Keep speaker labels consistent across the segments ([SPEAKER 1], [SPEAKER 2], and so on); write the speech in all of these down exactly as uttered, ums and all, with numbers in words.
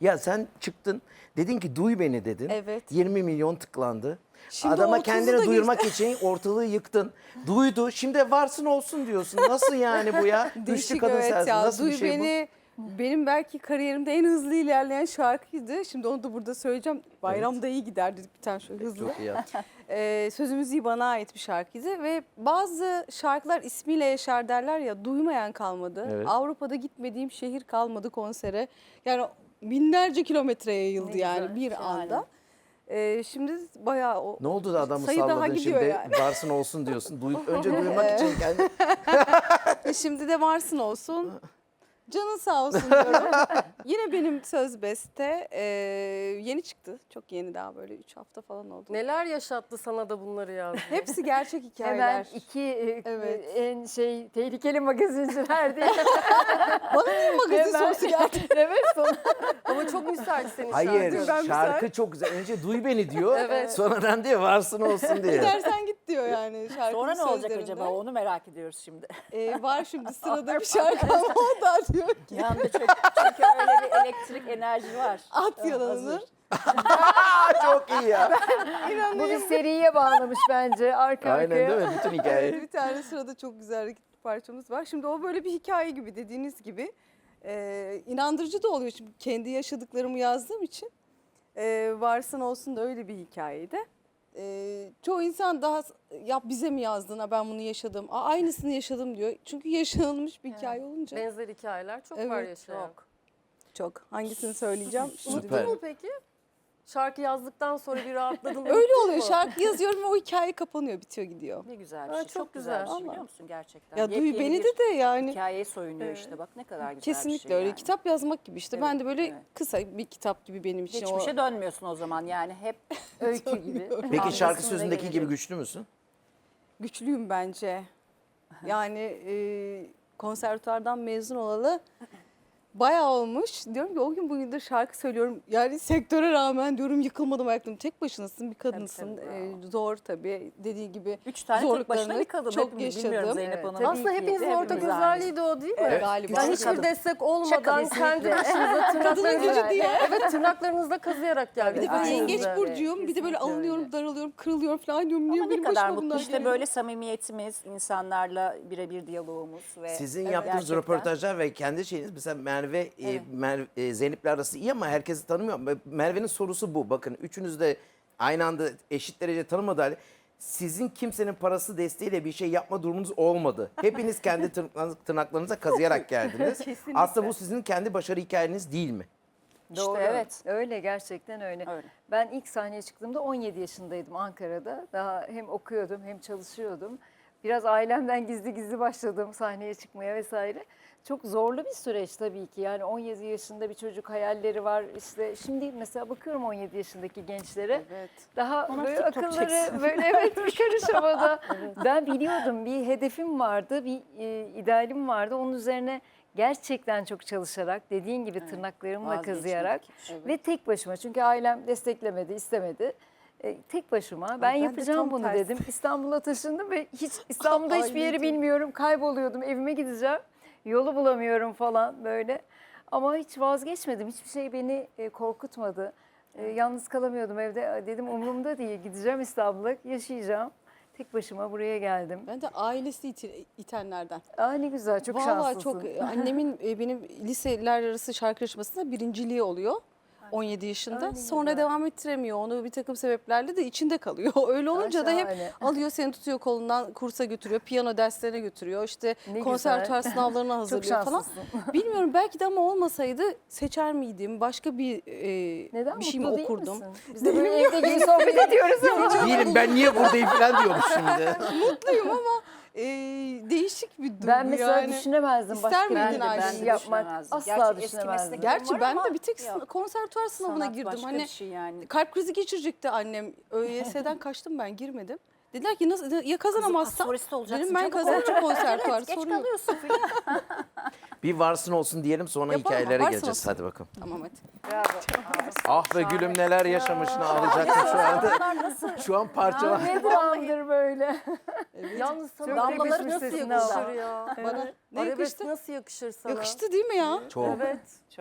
[SPEAKER 1] Ya sen çıktın dedin ki duy beni dedin.
[SPEAKER 2] Evet.
[SPEAKER 1] yirmi milyon tıklandı.
[SPEAKER 2] Şimdi
[SPEAKER 1] Adama
[SPEAKER 2] otuzu
[SPEAKER 1] kendini
[SPEAKER 2] da
[SPEAKER 1] duyurmak için ortalığı yıktın. Duydu. Şimdi varsın olsun diyorsun. Nasıl yani bu ya? Güçlü
[SPEAKER 2] Değişik,
[SPEAKER 1] kadın
[SPEAKER 2] evet
[SPEAKER 1] sensin.
[SPEAKER 2] ya.
[SPEAKER 1] Nasıl
[SPEAKER 2] Duy
[SPEAKER 1] bir şey
[SPEAKER 2] beni, benim belki kariyerimde en hızlı ilerleyen şarkıydı. Şimdi onu da burada söyleyeceğim. Bayramda iyi gider dedik bir tane şöyle
[SPEAKER 1] bu?
[SPEAKER 2] hızlı.
[SPEAKER 1] Çok iyi yaptın.
[SPEAKER 2] Ee, söz müziği bana ait bir şarkıydı ve bazı şarkılar ismiyle yaşar derler ya, duymayan kalmadı.
[SPEAKER 1] Evet.
[SPEAKER 2] Avrupa'da gitmediğim şehir kalmadı konsere. Yani binlerce kilometreye yayıldı
[SPEAKER 3] Ne
[SPEAKER 2] yani
[SPEAKER 3] güzel,
[SPEAKER 2] bir
[SPEAKER 3] şahane.
[SPEAKER 2] anda. Ee, şimdi bayağı o
[SPEAKER 1] Ne oldu da adamı
[SPEAKER 2] sayı daha
[SPEAKER 1] salladın
[SPEAKER 2] gidiyor
[SPEAKER 1] şimdi?
[SPEAKER 2] yani.
[SPEAKER 1] Varsın olsun diyorsun. Duy, önce duyurmak için kendi...
[SPEAKER 2] E şimdi de varsın olsun. Canın sağ olsun diyorum. Yine benim söz beste e, yeni çıktı. Çok yeni, daha böyle üç hafta falan oldu.
[SPEAKER 4] Neler yaşattı sana da bunları yazdı?
[SPEAKER 2] Hepsi gerçek hikayeler.
[SPEAKER 3] Hemen iki e,
[SPEAKER 2] Evet.
[SPEAKER 3] en şey tehlikeli magazinciler diye.
[SPEAKER 2] Bana niye magazin
[SPEAKER 3] Hemen-
[SPEAKER 2] sorusu geldi?
[SPEAKER 3] Evet son.
[SPEAKER 4] Ama çok müsait senin
[SPEAKER 1] Hayır
[SPEAKER 4] şarkın.
[SPEAKER 2] Ben
[SPEAKER 1] şarkı
[SPEAKER 2] müsait.
[SPEAKER 1] çok güzel. Önce duy beni diyor.
[SPEAKER 4] Evet.
[SPEAKER 1] Sonradan diyor varsın olsun diyor.
[SPEAKER 2] Gidersen git diyor yani şarkının
[SPEAKER 3] Sonra ne olacak
[SPEAKER 2] sözlerinde.
[SPEAKER 3] acaba onu merak ediyoruz şimdi.
[SPEAKER 2] E, var şimdi sırada bir şarkı ama o da diyor ki
[SPEAKER 3] Yanında çok, çünkü öyle bir elektrik enerji var.
[SPEAKER 2] at yalanını.
[SPEAKER 3] Hazır.
[SPEAKER 1] Aa, çok iyi ya.
[SPEAKER 3] Bu bir seriye bağlamış bence arka
[SPEAKER 1] Aynen
[SPEAKER 3] arkaya.
[SPEAKER 1] değil mi? Bütün hikaye.
[SPEAKER 2] Evet, bir tane sırada çok güzel bir parçamız var. Şimdi o böyle bir hikaye gibi, dediğiniz gibi. Ee, inandırıcı da oluyor. Şimdi kendi yaşadıklarımı yazdığım için. Ee, varsın olsun da öyle bir hikayeydi. Ee, çoğu insan daha ya bize mi yazdın, ha ben bunu yaşadım, Aa, aynısını yaşadım diyor. Çünkü yaşanılmış bir hikaye olunca.
[SPEAKER 4] Benzer hikayeler çok var
[SPEAKER 2] Evet,
[SPEAKER 4] yaşayan.
[SPEAKER 2] çok. Çok. Hangisini söyleyeceğim? Şimdi
[SPEAKER 1] Süper.
[SPEAKER 4] Unuttun mu peki? Şarkı yazdıktan sonra bir rahatladın.
[SPEAKER 2] öyle
[SPEAKER 4] unuttun
[SPEAKER 2] oluyor.
[SPEAKER 4] mu?
[SPEAKER 2] Şarkı yazıyor ve o hikaye kapanıyor, bitiyor, gidiyor.
[SPEAKER 3] Ne güzel bir
[SPEAKER 4] Ha,
[SPEAKER 3] şey.
[SPEAKER 4] çok
[SPEAKER 3] Çok, güzel, bir
[SPEAKER 4] güzel.
[SPEAKER 3] şey biliyor musun gerçekten?
[SPEAKER 2] Ya duy
[SPEAKER 3] Yepyeni
[SPEAKER 2] beni
[SPEAKER 3] bir
[SPEAKER 2] de de yani.
[SPEAKER 3] hikayeye soyunuyor
[SPEAKER 4] Evet.
[SPEAKER 3] işte bak ne kadar güzel
[SPEAKER 2] Kesinlikle
[SPEAKER 3] bir şey
[SPEAKER 2] öyle.
[SPEAKER 3] yani.
[SPEAKER 2] Kitap yazmak gibi işte.
[SPEAKER 3] Evet,
[SPEAKER 2] Ben de böyle
[SPEAKER 3] evet.
[SPEAKER 2] kısa bir kitap gibi benim için. o...
[SPEAKER 3] Geçmişe dönmüyorsun o zaman yani hep öykü gibi.
[SPEAKER 1] Peki şarkı
[SPEAKER 3] Anlasın ve
[SPEAKER 1] sözündeki gibi
[SPEAKER 3] gelecek.
[SPEAKER 1] güçlü müsün?
[SPEAKER 2] Güçlüyüm bence. Yani e, konservatuardan mezun olalı bayağı olmuş. Diyorum ki o gün bugündür şarkı söylüyorum. Yani sektöre rağmen diyorum yıkılmadım ayaklarım. Tek başınasın, bir kadınsın.
[SPEAKER 3] tabii,
[SPEAKER 2] E, zor tabii. Dediği gibi
[SPEAKER 3] Üç tane tek
[SPEAKER 2] zorluklarını
[SPEAKER 3] başına bir kadın.
[SPEAKER 2] çok
[SPEAKER 3] Hepimiz
[SPEAKER 2] yaşadım.
[SPEAKER 3] bilmiyorum Zeynep
[SPEAKER 2] Evet,
[SPEAKER 3] Hanım.
[SPEAKER 2] tabii
[SPEAKER 4] Aslında
[SPEAKER 2] ki.
[SPEAKER 4] hepinizin
[SPEAKER 3] Hepimiz
[SPEAKER 4] ortak
[SPEAKER 3] aynıyız.
[SPEAKER 4] özelliği de o değil mi?
[SPEAKER 1] Evet.
[SPEAKER 2] Galiba.
[SPEAKER 4] Yani
[SPEAKER 3] Güçlü
[SPEAKER 4] hiçbir
[SPEAKER 3] kadın.
[SPEAKER 4] destek olmadan
[SPEAKER 3] Kesinlikle.
[SPEAKER 4] kendi başınıza
[SPEAKER 2] Kadının
[SPEAKER 4] tırnaklarınızla,
[SPEAKER 2] gücü diye.
[SPEAKER 4] evet, tırnaklarınızla kazıyarak geldiniz.
[SPEAKER 2] Bir de böyle
[SPEAKER 3] Aynen.
[SPEAKER 2] yengeç
[SPEAKER 3] Öyle.
[SPEAKER 2] burcuyum. Bir de böyle
[SPEAKER 3] Kesinlikle
[SPEAKER 2] alınıyorum,
[SPEAKER 3] öyle.
[SPEAKER 2] daralıyorum, kırılıyorum falan diyorum. Niye
[SPEAKER 3] Ama ne
[SPEAKER 2] benim
[SPEAKER 3] kadar
[SPEAKER 2] başıma
[SPEAKER 3] mutlu
[SPEAKER 2] bunlar
[SPEAKER 3] işte
[SPEAKER 2] geliyor?
[SPEAKER 3] böyle samimiyetimiz, insanlarla birebir diyalogumuz ve
[SPEAKER 1] Sizin
[SPEAKER 3] Evet,
[SPEAKER 1] yaptığınız
[SPEAKER 3] gerçekten.
[SPEAKER 1] röportajlar ve kendi şeyiniz mesela Merve, e,
[SPEAKER 3] Evet.
[SPEAKER 1] Mer- e, Zeynep'le arası iyi ama herkesi tanımıyor. Merve'nin sorusu bu. Bakın üçünüz de aynı anda eşit derece tanımadı halde sizin kimsenin parası desteğiyle bir şey yapma durumunuz olmadı. Hepiniz kendi tırnak- tırnaklarınıza kazıyarak geldiniz.
[SPEAKER 2] Kesinlikle.
[SPEAKER 1] Aslında bu sizin kendi başarı hikayeniz değil mi?
[SPEAKER 3] İşte
[SPEAKER 5] Doğru.
[SPEAKER 3] evet.
[SPEAKER 5] Öyle, gerçekten öyle.
[SPEAKER 3] Öyle.
[SPEAKER 5] Ben ilk sahneye çıktığımda on yedi yaşındaydım Ankara'da. Daha hem okuyordum hem çalışıyordum. Biraz ailemden gizli gizli başladım sahneye çıkmaya vesaire. Çok zorlu bir süreç tabii ki. Yani on yedi yaşında bir çocuk, hayalleri var. İşte şimdi mesela bakıyorum on yedi yaşındaki gençlere.
[SPEAKER 2] Evet.
[SPEAKER 5] Daha
[SPEAKER 3] Ona
[SPEAKER 5] böyle
[SPEAKER 3] TikTok
[SPEAKER 5] akılları
[SPEAKER 3] çeksin.
[SPEAKER 5] böyle evet bir karış havada. Ben biliyordum, bir hedefim vardı, bir e, idealim vardı. Onun üzerine gerçekten çok çalışarak, dediğin gibi tırnaklarımla
[SPEAKER 3] Vazgeçmek.
[SPEAKER 5] kazıyarak
[SPEAKER 3] Evet.
[SPEAKER 5] ve tek başıma, çünkü ailem desteklemedi, istemedi. E, tek başıma ben,
[SPEAKER 2] ben de
[SPEAKER 5] yapacağım
[SPEAKER 2] tam
[SPEAKER 5] bunu
[SPEAKER 2] tersi.
[SPEAKER 5] dedim. İstanbul'a taşındım ve hiç İstanbul'da hiçbir yeri
[SPEAKER 2] Anneciğim.
[SPEAKER 5] bilmiyorum. Kayboluyordum, evime gideceğim. Yolu bulamıyorum falan böyle. Ama hiç vazgeçmedim. Hiçbir şey beni e, korkutmadı. E, yalnız kalamıyordum evde. Dedim umurumda değil. Gideceğim İstanbul'a, yaşayacağım. Tek başıma buraya geldim.
[SPEAKER 2] Ben de ailesi iti- itenlerden.
[SPEAKER 5] Aa ne güzel, çok
[SPEAKER 2] Vallahi
[SPEAKER 5] şanslısın.
[SPEAKER 2] çok annemin e, benim liseler arası şarkı yarışmasında birinciliği oluyor. on yedi yaşında.
[SPEAKER 5] Ay, ne
[SPEAKER 2] Sonra
[SPEAKER 5] güzel.
[SPEAKER 2] devam ettiremiyor. Onu bir takım sebeplerle de içinde kalıyor. Öyle olunca da hep
[SPEAKER 5] şahane.
[SPEAKER 2] alıyor, seni tutuyor kolundan, kursa götürüyor, piyano derslerine götürüyor. İşte
[SPEAKER 5] Ne
[SPEAKER 2] konservatuar
[SPEAKER 5] güzel.
[SPEAKER 2] sınavlarına
[SPEAKER 5] Çok
[SPEAKER 2] hazırlıyor falan.
[SPEAKER 5] şanslısın.
[SPEAKER 2] Bilmiyorum, belki de ama olmasaydı seçer miydim? Başka bir e,
[SPEAKER 5] Neden
[SPEAKER 2] bir şey mi
[SPEAKER 5] mutlu değil
[SPEAKER 2] okurdum?
[SPEAKER 5] misin? Biz de böyle evde gibi sohbet ediyoruz ama.
[SPEAKER 1] Değilim ben niye buradayım falan diyormuş şimdi.
[SPEAKER 2] Mutluyum ama e, değişik bir duygu
[SPEAKER 5] Ben mesela
[SPEAKER 2] yani.
[SPEAKER 5] düşünemezdim
[SPEAKER 2] İster
[SPEAKER 5] başka
[SPEAKER 2] miydin
[SPEAKER 5] bir
[SPEAKER 3] Ben de,
[SPEAKER 2] Ayşe?
[SPEAKER 3] ben
[SPEAKER 5] şey
[SPEAKER 3] de
[SPEAKER 5] yapmak.
[SPEAKER 3] düşünemezdim.
[SPEAKER 5] Asla
[SPEAKER 3] Gerçi eski
[SPEAKER 5] düşünemezdim.
[SPEAKER 3] mesleklerim
[SPEAKER 2] Gerçi
[SPEAKER 3] var
[SPEAKER 2] ben
[SPEAKER 3] ama
[SPEAKER 2] de bir tek
[SPEAKER 3] yok.
[SPEAKER 2] konservatuar sınavına
[SPEAKER 3] Sanat
[SPEAKER 2] girdim.
[SPEAKER 3] başka
[SPEAKER 2] Hani
[SPEAKER 3] bir şey yani.
[SPEAKER 2] kalp krizi geçirecekti annem. ÖYS'den kaçtım, ben girmedim. Dediler ki nasıl, ya kazanamazsam?
[SPEAKER 3] Solist olacaksın.
[SPEAKER 2] Dedim ben
[SPEAKER 3] çabuk ol.
[SPEAKER 2] kazanacağım konservatuar.
[SPEAKER 3] Evet, geç
[SPEAKER 2] Sorun yok.
[SPEAKER 3] kalıyorsun filan.
[SPEAKER 1] Bir varsın olsun diyelim sonra
[SPEAKER 2] Yapalım,
[SPEAKER 1] hikayelere
[SPEAKER 2] varsın
[SPEAKER 1] geleceğiz.
[SPEAKER 2] olsun.
[SPEAKER 1] Hadi bakalım.
[SPEAKER 2] Tamam hadi.
[SPEAKER 3] Bravo.
[SPEAKER 1] Ah be gülüm neler yaşamışsın ağlayacaktım şu anda. Şu an parçalar.
[SPEAKER 5] Ne dramdır böyle.
[SPEAKER 4] Yalnız sana
[SPEAKER 5] Çok
[SPEAKER 4] damlaları
[SPEAKER 5] yakışmış
[SPEAKER 4] nasıl
[SPEAKER 5] sesine
[SPEAKER 4] yakışır
[SPEAKER 5] ama.
[SPEAKER 4] ya?
[SPEAKER 2] Bana ne
[SPEAKER 4] Arabesk
[SPEAKER 2] yakıştı?
[SPEAKER 4] nasıl yakışır sana?
[SPEAKER 2] Yakıştı değil mi ya?
[SPEAKER 1] Çok.
[SPEAKER 4] Evet.
[SPEAKER 3] Çok.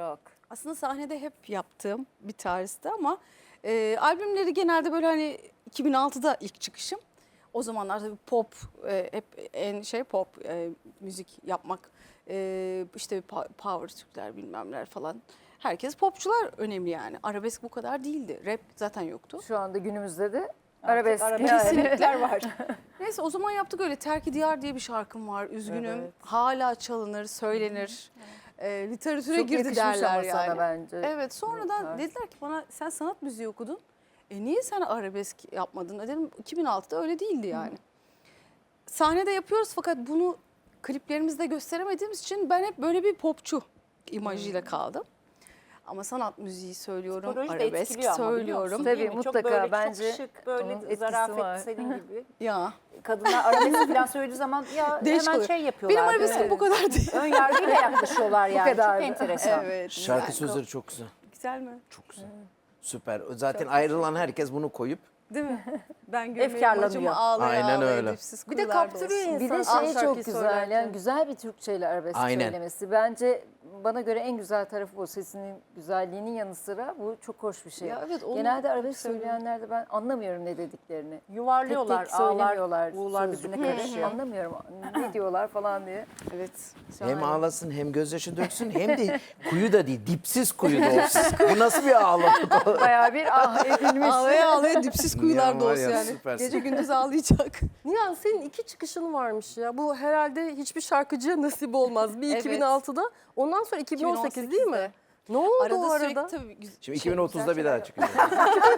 [SPEAKER 2] aslında sahnede hep yaptığım bir tarzdı ama e, albümleri genelde böyle hani iki bin altıda ilk çıkışım. O zamanlar tabii pop e, hep en şey pop e, müzik yapmak e, işte pa- power Türkler bilmem neler falan. Herkes popçular önemli yani. Arabesk bu kadar değildi. Rap zaten yoktu.
[SPEAKER 5] Şu anda günümüzde de
[SPEAKER 3] Artık
[SPEAKER 5] arabesk,
[SPEAKER 3] arabesk
[SPEAKER 5] yani.
[SPEAKER 2] Kesinlikler var. Neyse o zaman yaptık öyle. Terk-i Diyar diye bir şarkım var. Üzgünüm.
[SPEAKER 4] Evet.
[SPEAKER 2] Hala çalınır, söylenir. E, literatüre
[SPEAKER 5] Çok
[SPEAKER 2] girdi
[SPEAKER 5] yakışmış
[SPEAKER 2] derler
[SPEAKER 5] ama
[SPEAKER 2] yani.
[SPEAKER 5] sana bence.
[SPEAKER 2] Evet sonradan
[SPEAKER 5] tarz.
[SPEAKER 2] dediler ki bana sen sanat müziği okudun. E niye sen arabesk yapmadın? E dedim iki bin altıda öyle değildi yani. Sahnede yapıyoruz fakat bunu kliplerimizde gösteremediğimiz için ben hep böyle bir popçu imajıyla kaldım. Ama sanat müziği söylüyorum,
[SPEAKER 3] Psikoloji de
[SPEAKER 2] arabesk
[SPEAKER 3] etkiliyor ama biliyor
[SPEAKER 2] söylüyorum.
[SPEAKER 3] musun?
[SPEAKER 5] Tabii,
[SPEAKER 3] Değil mi?
[SPEAKER 5] mutlaka.
[SPEAKER 3] Çok böyle
[SPEAKER 5] Bence
[SPEAKER 3] çok şık, böyle
[SPEAKER 5] onun etkisi
[SPEAKER 3] zarafet
[SPEAKER 5] var.
[SPEAKER 3] senin gibi.
[SPEAKER 2] Ya
[SPEAKER 3] Kadınlar arabesk falan söylediği zaman ya
[SPEAKER 2] Değişik
[SPEAKER 3] hemen
[SPEAKER 2] oluyor.
[SPEAKER 3] şey yapıyorlar.
[SPEAKER 2] benim arabeskim
[SPEAKER 3] böyle
[SPEAKER 2] bu kadar değil.
[SPEAKER 3] Ön yargıyla yaklaşıyorlar yani.
[SPEAKER 5] kadardı.
[SPEAKER 3] Çok enteresan.
[SPEAKER 2] Evet.
[SPEAKER 1] Şarkı
[SPEAKER 2] Yani
[SPEAKER 1] sözleri çok güzel.
[SPEAKER 2] güzel mi?
[SPEAKER 1] Çok güzel. Süper. Zaten ayrılan herkes bunu koyup
[SPEAKER 2] Değil mi? Ben görmeyi
[SPEAKER 3] Efkarlanıyor.
[SPEAKER 2] bacımı ağlaya
[SPEAKER 1] Aynen
[SPEAKER 2] ağlaya
[SPEAKER 1] öyle.
[SPEAKER 2] dipsiz
[SPEAKER 4] Bir de
[SPEAKER 2] kuyularda
[SPEAKER 4] kaptırıyor
[SPEAKER 2] olsun.
[SPEAKER 4] insan.
[SPEAKER 5] Bir de
[SPEAKER 4] Ah,
[SPEAKER 5] şey çok
[SPEAKER 4] şarkıyı
[SPEAKER 5] güzel
[SPEAKER 4] söylerken.
[SPEAKER 5] yani güzel bir Türkçeyle arabesk
[SPEAKER 1] Aynen.
[SPEAKER 5] söylemesi. Bence bana göre en güzel tarafı bu. Sesinin güzelliğinin yanı sıra bu çok hoş bir şey.
[SPEAKER 2] Ya evet, onu
[SPEAKER 5] Genelde arabesk
[SPEAKER 2] seviyorum.
[SPEAKER 5] söyleyenlerde ben anlamıyorum ne dediklerini.
[SPEAKER 3] Yuvarlıyorlar,
[SPEAKER 5] Tek tek
[SPEAKER 3] ağlar,
[SPEAKER 5] söylemiyorlar.
[SPEAKER 3] uğurlar birbirine
[SPEAKER 5] sözcükleri.
[SPEAKER 3] karışıyor.
[SPEAKER 5] Anlamıyorum ne diyorlar falan diye.
[SPEAKER 2] Evet.
[SPEAKER 1] hem
[SPEAKER 2] şahane.
[SPEAKER 1] ağlasın hem gözyaşı döksün hem de kuyu da değil dipsiz kuyu da olsun. Bu nasıl bir ağlamak?
[SPEAKER 5] Bayağı bir ah edilmiş.
[SPEAKER 2] Ağlaya ağlaya dipsiz kuyularda
[SPEAKER 1] var
[SPEAKER 2] olsun
[SPEAKER 1] ya,
[SPEAKER 2] yani.
[SPEAKER 1] süpersin.
[SPEAKER 2] Gece gündüz ağlayacak.
[SPEAKER 4] Nihan senin iki çıkışın varmış ya. Bu herhalde hiçbir şarkıcıya nasip olmaz. Bir
[SPEAKER 2] Evet.
[SPEAKER 4] iki bin altıda, ondan sonra iki bin on sekiz değil mi?
[SPEAKER 2] iki bin on sekizde.
[SPEAKER 4] Ne oldu
[SPEAKER 2] Arada
[SPEAKER 4] o
[SPEAKER 2] sürekli
[SPEAKER 4] arada?
[SPEAKER 2] tabii güz-
[SPEAKER 1] Şimdi
[SPEAKER 2] şey,
[SPEAKER 1] iki bin otuzda
[SPEAKER 2] güzel
[SPEAKER 1] bir daha
[SPEAKER 2] şeyler
[SPEAKER 1] çıkacak.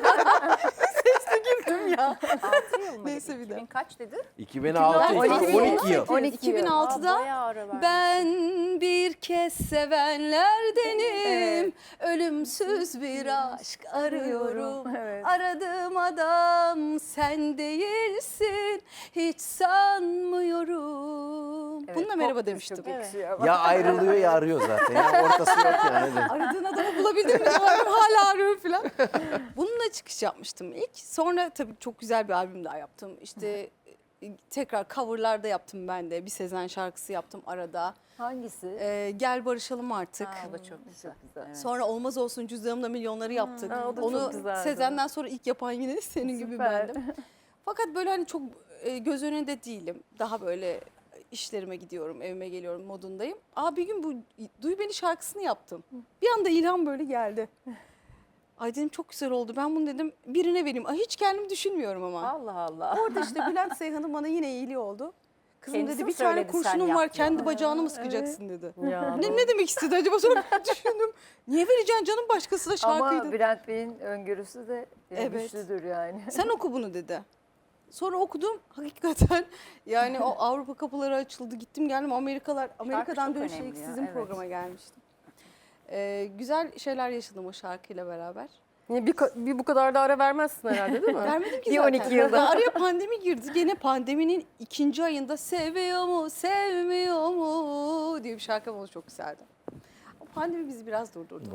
[SPEAKER 2] yaptım ya.
[SPEAKER 3] altı yıl mı?
[SPEAKER 2] Neyse bir
[SPEAKER 3] iki bin
[SPEAKER 2] de.
[SPEAKER 3] kaç dedi?
[SPEAKER 1] iki bin altı,
[SPEAKER 2] on iki,
[SPEAKER 1] on iki yıl.
[SPEAKER 5] on iki
[SPEAKER 2] iki bin
[SPEAKER 3] Aa,
[SPEAKER 2] altıda
[SPEAKER 3] bayağı ara vermiş.
[SPEAKER 2] ben bir kez sevenlerdenim. Ölümsüz bir aşk arıyorum.
[SPEAKER 5] Evet.
[SPEAKER 2] Aradığım adam sen değilsin. Hiç sanmıyorum.
[SPEAKER 5] Evet,
[SPEAKER 2] Bununla merhaba
[SPEAKER 5] pop
[SPEAKER 2] demiştim.
[SPEAKER 5] Çok yakışıyor ama.
[SPEAKER 1] Ya ayrılıyor ya arıyor zaten. Ya ortası yok yani.
[SPEAKER 2] Aradığın adamı bulabildin mi? Diyorum, hala arıyorum falan. Bununla çıkış yapmıştım ilk. Sonra tabii çok güzel bir albüm daha yaptım. İşte e, tekrar coverlarda yaptım ben de. Bir Sezen şarkısı yaptım arada.
[SPEAKER 5] Hangisi?
[SPEAKER 2] Ee, Gel barışalım artık.
[SPEAKER 3] Ha, o da çok güzel.
[SPEAKER 5] Çok güzel.
[SPEAKER 3] Evet.
[SPEAKER 2] Sonra Olmaz Olsun Cüzdanımla milyonları yaptık.
[SPEAKER 4] Ha, o da çok
[SPEAKER 2] Onu
[SPEAKER 4] güzeldi.
[SPEAKER 2] Sezen'den sonra ilk yapan yine senin gibi
[SPEAKER 5] Süper.
[SPEAKER 2] bendim. Fakat böyle hani çok e, göz önünde değilim. Daha böyle işlerime gidiyorum, evime geliyorum modundayım. Aa bir gün bu Duy Beni şarkısını yaptım. Bir anda ilham böyle geldi. Ay dedim çok güzel oldu. Ben bunu dedim birine vereyim. Ay hiç kendimi düşünmüyorum ama.
[SPEAKER 3] Allah Allah.
[SPEAKER 2] Orada işte Bülent Seyhan'ın bana yine iyiliği oldu. Kızım
[SPEAKER 3] Kendisi
[SPEAKER 2] dedi
[SPEAKER 3] mi
[SPEAKER 2] bir tane
[SPEAKER 3] söyledi, sen
[SPEAKER 2] kurşunum
[SPEAKER 3] yap
[SPEAKER 2] var kendi
[SPEAKER 3] diyor.
[SPEAKER 2] bacağını mı sıkacaksın dedi.
[SPEAKER 4] Ya,
[SPEAKER 2] Ne, ne demek istedi acaba sonra ben düşündüm. Niye vereceksin canım başkasına şarkıydı.
[SPEAKER 5] Ama Bülent Bey'in öngörüsü de e,
[SPEAKER 2] Evet.
[SPEAKER 5] güçlüdür yani.
[SPEAKER 2] Sen oku bunu dedi. Sonra okudum hakikaten yani o Avrupa kapıları açıldı gittim geldim Amerikalar Amerika'dan
[SPEAKER 3] çok
[SPEAKER 2] dönüşte
[SPEAKER 3] önemli
[SPEAKER 2] ilk
[SPEAKER 3] ya,
[SPEAKER 2] sizin
[SPEAKER 3] evet.
[SPEAKER 2] programa gelmiştim. Ee, güzel şeyler yaşadım o şarkıyla beraber.
[SPEAKER 4] Niye bir, ka- bir bu kadar da ara vermezsin herhalde değil mi?
[SPEAKER 2] Vermedim ki
[SPEAKER 5] Bir
[SPEAKER 2] zaten.
[SPEAKER 5] on iki yılda.
[SPEAKER 2] Araya pandemi girdi. Gene pandeminin ikinci ayında seviyor mu, sevmiyor mu diye bir şarkı oldu çok güzeldi. O pandemi bizi biraz durdurdu.